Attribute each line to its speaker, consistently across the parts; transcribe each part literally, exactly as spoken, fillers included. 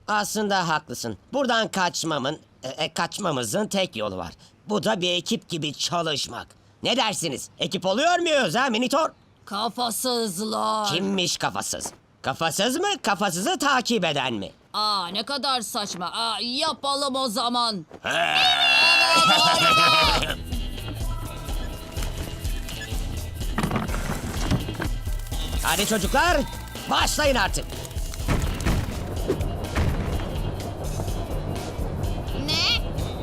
Speaker 1: Aslında haklısın. Buradan kaçmamın, e, e, kaçmamızın tek yolu var. Bu da bir ekip gibi çalışmak. Ne dersiniz? Ekip oluyor muyuz ha Minitor?
Speaker 2: Kafasızlar.
Speaker 1: Kimmiş kafasız? Kafasız mı, kafasızı takip eden mi?
Speaker 2: Aa, ne kadar saçma. Aa, yapalım o zaman.
Speaker 1: Hadi çocuklar, başlayın artık.
Speaker 3: Ne?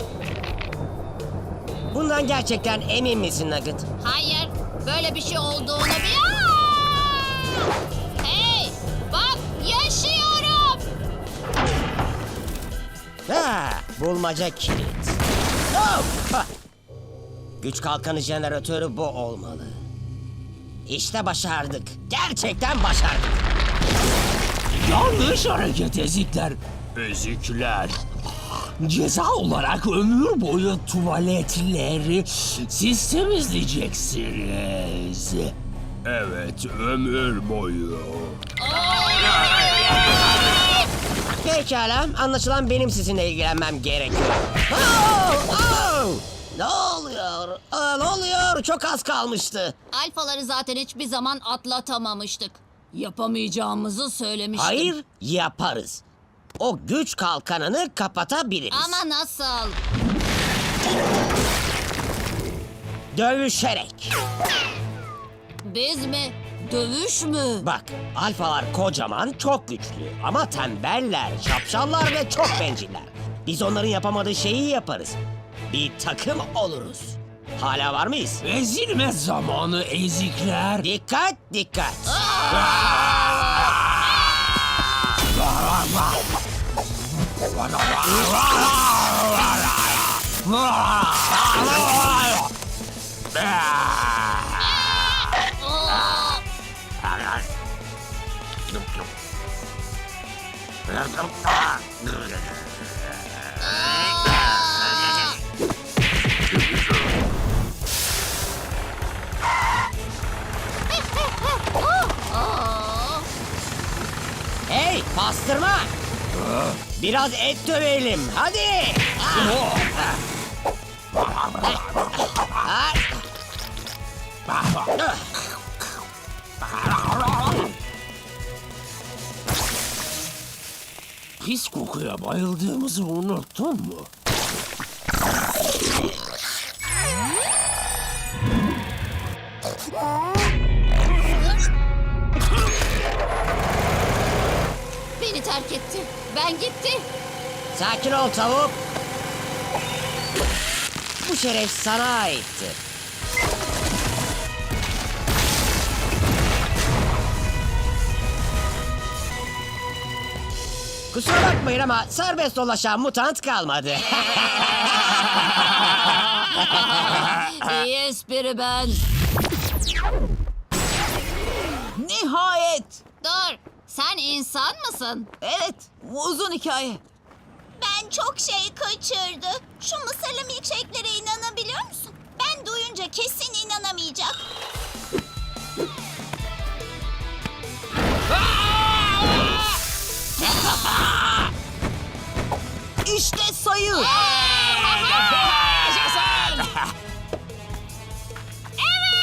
Speaker 1: Bundan gerçekten emin misin Nugget?
Speaker 3: Hayır. Böyle bir şey olduğunu bil... Aa! Hey! Bak yaşıyorum.
Speaker 1: Ha, bulmaca kilit. Oh! Ha! Güç kalkanı jeneratörü bu olmalı. İşte başardık. Gerçekten başardık.
Speaker 4: Yanlış hareket ezikler. Ezikler. Ceza olarak ömür boyu tuvaletleri siz temizleyeceksiniz. Evet, ömür boyu.
Speaker 1: Pekala, anlaşılan benim sizinle ilgilenmem gerekiyor. Oh! Oh! Ne oluyor? Aa, ne oluyor? Çok az kalmıştı.
Speaker 3: Alfaları zaten hiçbir zaman atlatamamıştık.
Speaker 2: Yapamayacağımızı söylemiştim.
Speaker 1: Hayır, yaparız. O güç kalkanını kapatabiliriz.
Speaker 3: Ama nasıl?
Speaker 1: Dövüşerek.
Speaker 2: Biz mi? Dövüş mü?
Speaker 1: Bak, alfalar kocaman, çok güçlü. Ama tembeller, şapşallar ve çok benciller. Biz onların yapamadığı şeyi yaparız. Bir takım oluruz. Hala var mıyız?
Speaker 4: Ezilme zamanı ezikler.
Speaker 1: Dikkat, dikkat. Hey, pastırma. Biraz et dövelim, hadi.
Speaker 4: Pis kokuya bayıldığımızı unuttun mu?
Speaker 3: Beni terk etti. Ben gitti.
Speaker 1: Sakin ol tavuk. Bu şeref sana aitti. Kusura bakmayın ama serbest dolaşan mutant kalmadı.
Speaker 2: İyi espri ben.
Speaker 5: Nihayet.
Speaker 3: Dur. Sen insan mısın?
Speaker 5: Evet, uzun hikaye.
Speaker 6: Ben çok şey kaçırdı. Şu mısırlı milkshake'lere inanabiliyor musun? Ben duyunca kesin inanamayacak.
Speaker 5: İşte sayı.